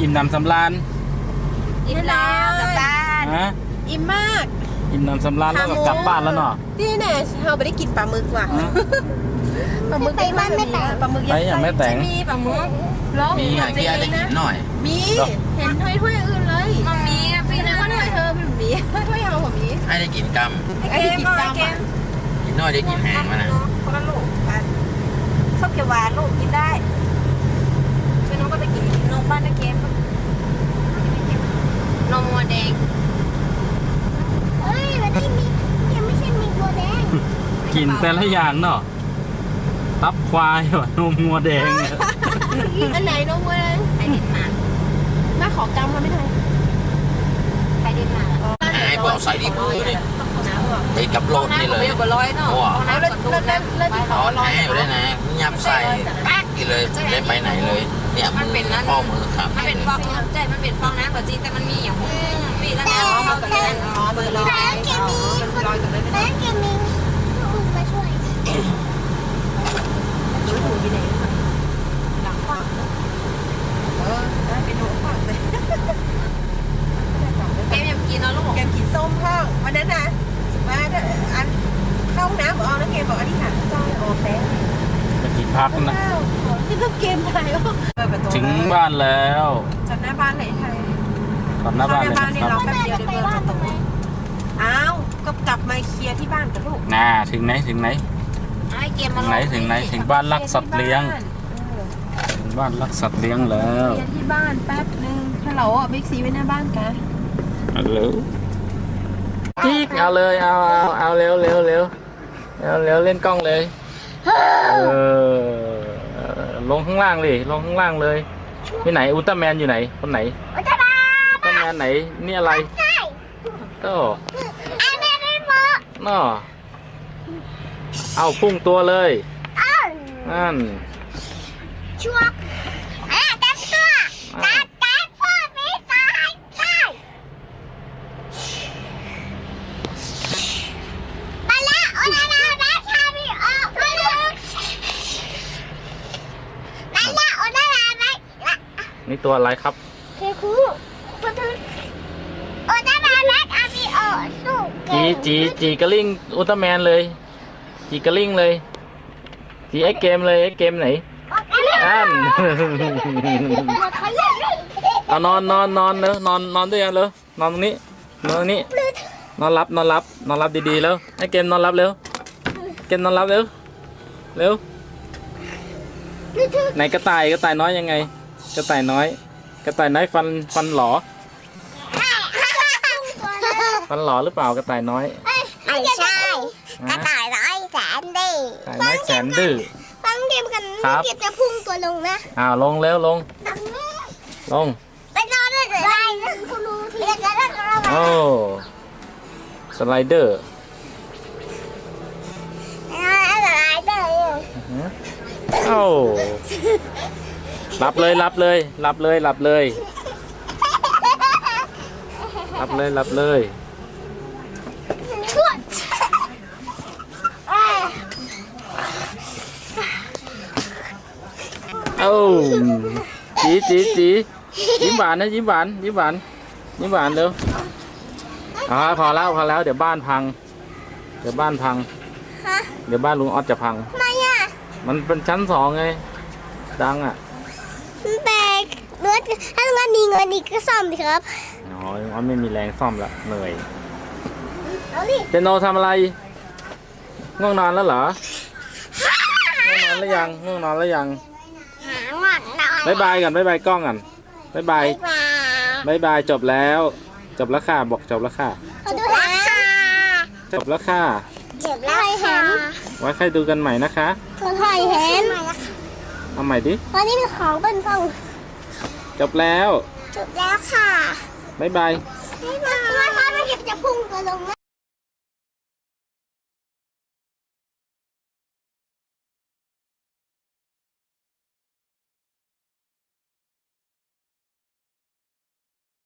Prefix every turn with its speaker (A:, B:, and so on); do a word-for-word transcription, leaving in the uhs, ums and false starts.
A: มน้ำสำราญ
B: อิ่มแล้วกลับบ้าน
A: ฮะ
B: อิ่มมาก
A: อิ่มน้ำสำราญแล้วก็กลับบ้านแล้วเนาะ
B: ที่แน่เราไม่ได้กินปลาหมึกว่ะปลาหมึกไปบ้านไม่แต่ปลาหมึก
A: ยังไม่แต่ง
B: มีปลาหมึก
C: มีไงพี่ได้กินหน่อย
B: มีเห็นถ้วยถ้วยอื่นเลยมันมีอ่ะพี่นะถ้วยเธอพี่มีถ้วยเอาแบบนี้
C: ให้ได้กินกำ
B: ไอ้ได้กินกำ
C: กินน้อยได้กินแห้งมานะ
B: คนละลูกชอบเขียวหวานลูกกินได้พี่น้องก็จะกินนมบ้านตะเกียบนมวัวแดง
D: เฮ้ยมันไม่มียังไม่ใช่มีวัวแดง
A: กินแต่ละอย่างเนาะตับควายว่ะนมงัวแดง
B: อันไหนนมวัวแดงไข่เด็ดมาแม่ขอกำมาไม่ได้ไข่เด็ดมา
C: ไอ้พวกใส่ดีมือเลยไอ้กับโลดนี่เลย
B: โอ้โหแล้วแล้วแล้วแล้วที่เขา
C: ลอยอยู่ได้นะยับใส่ปักกี่เลยได้ไปไหนเลยเนี่ยมันเป็นนั่นข้อมือครับ
B: มันเป็นฟองน้ำใจมันเป็นฟองน้ำแบบจริงแต่มันมีอย่างมีแล้วนะเขาแบบนั้นอ๋อเบอร์ลอย
D: แล้วแกมีแล้วแกมีลูกมาช่วย
B: ดูถูกที่ไหนหลังฟังเออได้เป็นหนูฟังเลยแกมยังกินเนาะลูกแกมกินส้มพ่อวันนั้นนะว่าอันเข้าน้ำบอกเอาแล้วเกมบอกอันนี้ค่ะจอยโอ้แป๊ะ
A: ไปกินพักนะ
B: นี่ก็เกมไทย
A: ถึงบ้านแล้ว
B: จอดหน้าบ้านไหนไทย
A: จอดหน้าบ้านเลย
B: ครับแป๊บเดียวเดี๋ยวเบอร์จะตกอ้าวก็กลับมาเคลียร์ที่บ้านกับลูก
A: น่าถึงไหนถึงไหนถึงไหนถึงไหนถึงบ้านรักสัตว์เลี้ยงถึงบ้านรักสัตว์เลี้ยงแล้ว
B: เคลียร์ที่บ้านแป๊บนึงฮัลโหลอ่ะบิ๊กซีไว้หน้าบ้านกัน
A: ฮัลโหลจิ๊กเอาเลยเอาเอาเอาเร็วเร็วเร็วเร็วเร็วเล่นกล้องเลยเออลงข้างล่างเลยลงข้างล่างเลยที่ไหนอุลตร้าแมนอยู่ไหนคนไหนอุลตร้าแมนไหนนี่อะไรโอ้น่อเอาพุ่งตัวเลยนั่น
D: ชัวร์อ่ะตัดตัวตัดตัดพ่อไม่ตายตายมาแล้วโอ้นานาแม่ชาบีออกมาแล้วมาแล้วโอ้นานาแม่
A: นี่ตัวอะไรครับ
D: เคคูพูดถึงโอ้นานาแม่ชาบีออกสู้
A: จีจีจีกระลิ่งอุลตร้าแมนเลยจีกระลิ่งเลยจีไอเกมเลยไอเกมไหนอันเอานอนนอนนอนเนอะนอนนอนด้วยกันเลยนอนตรงนี้นอนตรงนี้นอนรับนอนรับนอนรับดีๆแล้วไอเกมนอนรับเร็วเกมนอนรับเร็วเร็วไหนกระต่ายกระต่ายน้อยยังไงกระต่ายน้อยกระต่ายน้อยฟันฟันหลอฟันหลอหรือเปล่ากระต่ายน้อย
D: ไม่ใช่กระต่ายน้อยแสนดื้อก
A: ระต่ายน้อยแสนดื้อ
D: ฟังเกมกันเกมจะพุ่งตัวลงนะ
A: อ้าวลงเร็วลงลง
D: ไปนอนเลยได้คุณรู้ที่
A: โอ้สไลเดอร์
D: สไลเดอร์
A: โอ้รับเลยรับเลยรับเลยรับเลยรับเลยรับเลยโอ้จีจีจียิ้มหวานนะยิ้มหวานยิ้มหวานยิ้มหวานเร็วอ๋อพอแล้วพอแล้วเดี๋ยวบ้านพังเดี๋ยวบ้านพังเดี๋ยวบ้านลุงออสจะพัง
D: ทำไมอ่ะ
A: มันเป็นชั้นสองไงดังอ่ะ
D: แต่เนื้อถ้าเงินมีเงินอีกก็ซ่อมดิครับ
A: อ๋อลุงออสไม่มีแรงซ่อมละเหนื่อยเจโนทำอะไรง่วงนอนแล้วเหรอง่วงนอนแล้วยังง่วงนอนแล้วยังบายบายกันบายบายกล้องกันบายบายบายบายจบแล้วจบแล้วค่ะบอกจบแล้วค่ะจบแล้วค่ะ
D: จบแล้วเห็น
A: ไว้ใครดูกันใหม่นะคะ
D: คนไทยเห็น
A: เอาใหม่ดิ
D: วันนี้มีของเป็นฟอง
A: จบแล้ว
D: จบแล้วค่ะ
A: บายบาย
D: บายบายว่าเขาไม่เก็บจะพุ่งตัวลง